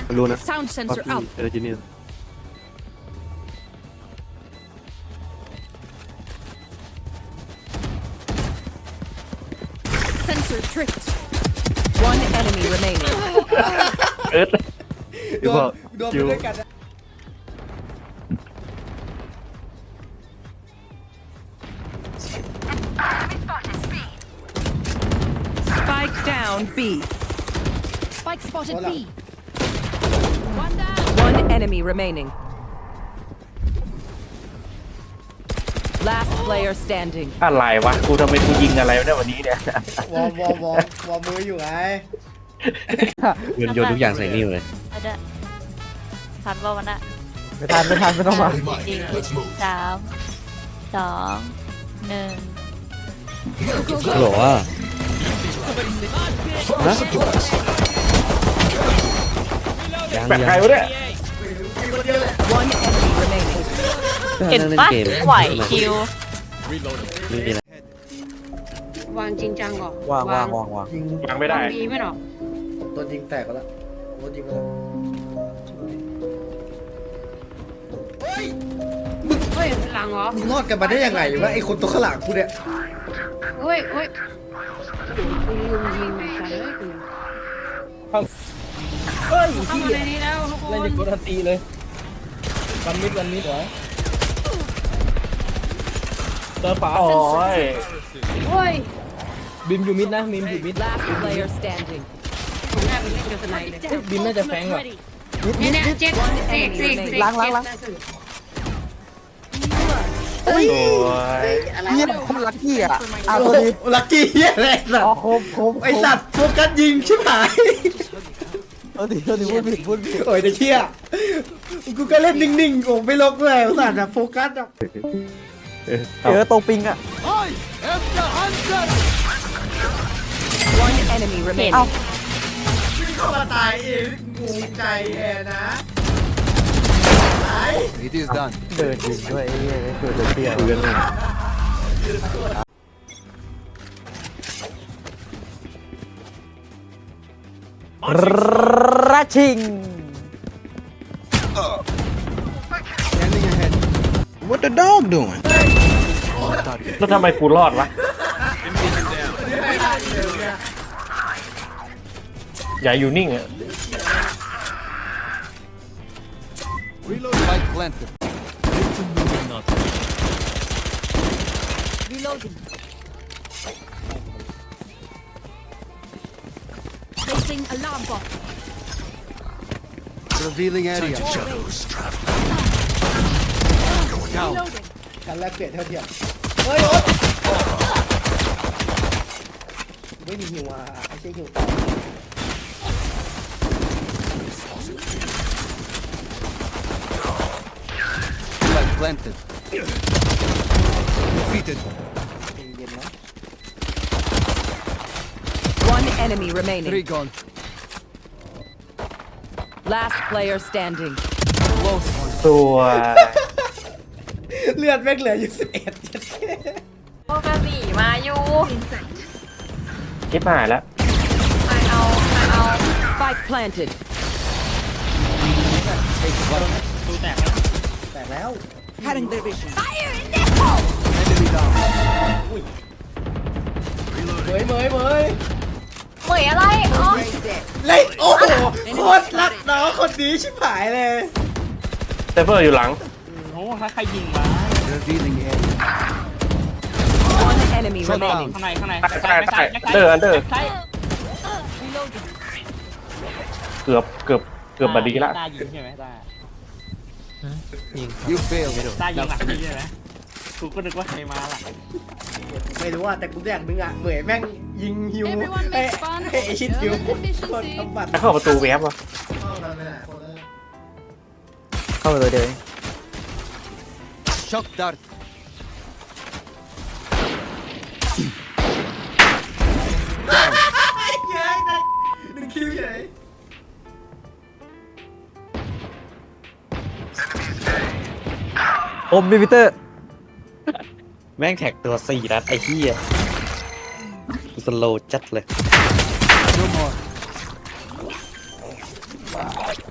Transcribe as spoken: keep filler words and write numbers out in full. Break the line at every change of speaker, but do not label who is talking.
รู้นะ
Sound
ว่า
sensor
พี่
out.
เออจิเนีย
Sensor tripped.
One enemy remaining.
เอิร์ธ
โด
คิวน บอก
โดน
คิ
ไป
ว
ด้วยกันนะ
Spike down B.
Spike spotted
Hola.
B. One down.
One enemy remaining. Last player standing.
อะไรวะกูทำไมกูยิงอะไรวะเนี่ยวันนี้เนี่ยว
อร์มวอร์มวอร์มวอร์มมืออยู่ไง
โยนโยนทุกอย่างใส่นี่เลย
เอาเด้อทันว่าวันน่ะ
ไม่ทันไม่ทันไม่ต้องมา
จริงสามสองหนึ่ง
ฮัลโหลอ่ะฮะยัง
แปลก
ยั
ใครง วะเนี่ย
One enemy remaining.
เห็น
ล่
ปะ
เกม
ไหวคิว
ไม่มีอะไร
วางจริงจังก่อน
วางวางวางวาง
ยิง
ยังไม่ได้
วางดีไหมหรอ
โดนยิงแตกก็แล้วโดนยิงไปแล้ว
เฮ้ยหลังเหรอ
มึงรอดกันมาได้ยังไงวะไอ้คนตัวข้างหลังกูเนี่ย
เฮ้ยเฮ้ยกูลืมยิงเหมือนกันเลยกู
เฮ้ย
เข้ามาในนี้แล้วทุกค
เล่น
น
จะกดทันตีเลยวันมิดวันมิดเหรอเจอฝา
โอ้ย
เฮ้ย
บิมอยู่มิดนะบิมอยู่มิด
Last player standing.
ผมน่าไปเล่นกับสไนเลย
เอ้ยบิมน่าจะแฟงว่ะ
เนี่ยเนี่ยเจ็ดเสกเสกเสก
ล้างล้างล้าง
โอ้ย
เยี่ยมคมลักกี้อ่ะอ่ะตัวนี้
ลักกี้เฮียอะไรสัต
อ๋อ
ว์
โคมโคม
ไอสัตว์โฟกัสยิงชิบหาย
ตัวนี้ตัวนี้พูดผิดพูดผิด
โอ้ยแต่เชี่ยกูก็เล่นนิ่งๆโอ้ไม่ลกด้วยไอ้สัตว์อะโฟกัสอะ
เออ
เจอตรงปิงอ่ะ
One enemy
เห็น
remaining.
เข้ามาตายเองงูใจแอนะตาย
เดินยิงด้วยไอ้เหี้ยเกิดเตี้ย
คุยกันหน่อย
รัชชิง
What the dog doing
แล้วทำไมกูรอดวะอย่าอยู่นิ่งอะ
Reloading. Placing alarm bot.
Revealing area.
Reloading.
การแลกเปลี่ยนเท่าเทียมเฮ้ยโอ๊ตไม่มีหิวอ่ะไอ้เชี่ยหิวต่อ
Flag planted. Defeated.
เย็นๆนะ
One enemy remaining.
Three gone.
Last player standing.
ตัว
เลือดแม่งเหลืออยู่สิบเอ็ด
โอกาสีมาอยู่
คิดหายแล้ว
มาเอามาเอา
Spike planted.
แตกแล้ว
Enemy down.
เหมยเหมยเหมย
เหมยอะไรอ๋อ
เล่นโอ้โหโคตรรักน้องคนนี้ชิบหายเลย
เซฟเฟอร์อยู่หลัง
โอ้ถ้าใครยิงมา
Revealing area.
One enemy
Shut
remaining.
ข้างในข้างใน
ใต้ใต้ใต้เดอร์อันเดอร์
ใช่
เกือบเกือบเกือบบัดดีละ
ตายิงใช่ไหมตา
You failed.
ตายิงหลังนี่ใช่ไหมกูก็นึกว่าใครมาหลัง
ไม่รู้ว่าแต่กูอยากนึงอ่ะเหมยแม่งยิงฮิว
Everyone
ให้
makes fun
ให้ไอชิดฮิว
of
คน
inefficiency.
ทำบัตร
ถ้าเข้าประตูแวบวะ
เข้าไปเลยเดี๋ยว
Shock dart.
เย้ยหนึ่งคิวเฉย
อมบิวิเตอร์
แม่งแท็กตัวสี่นัดไอ้เหี้ยสโลจัดเลย
No more.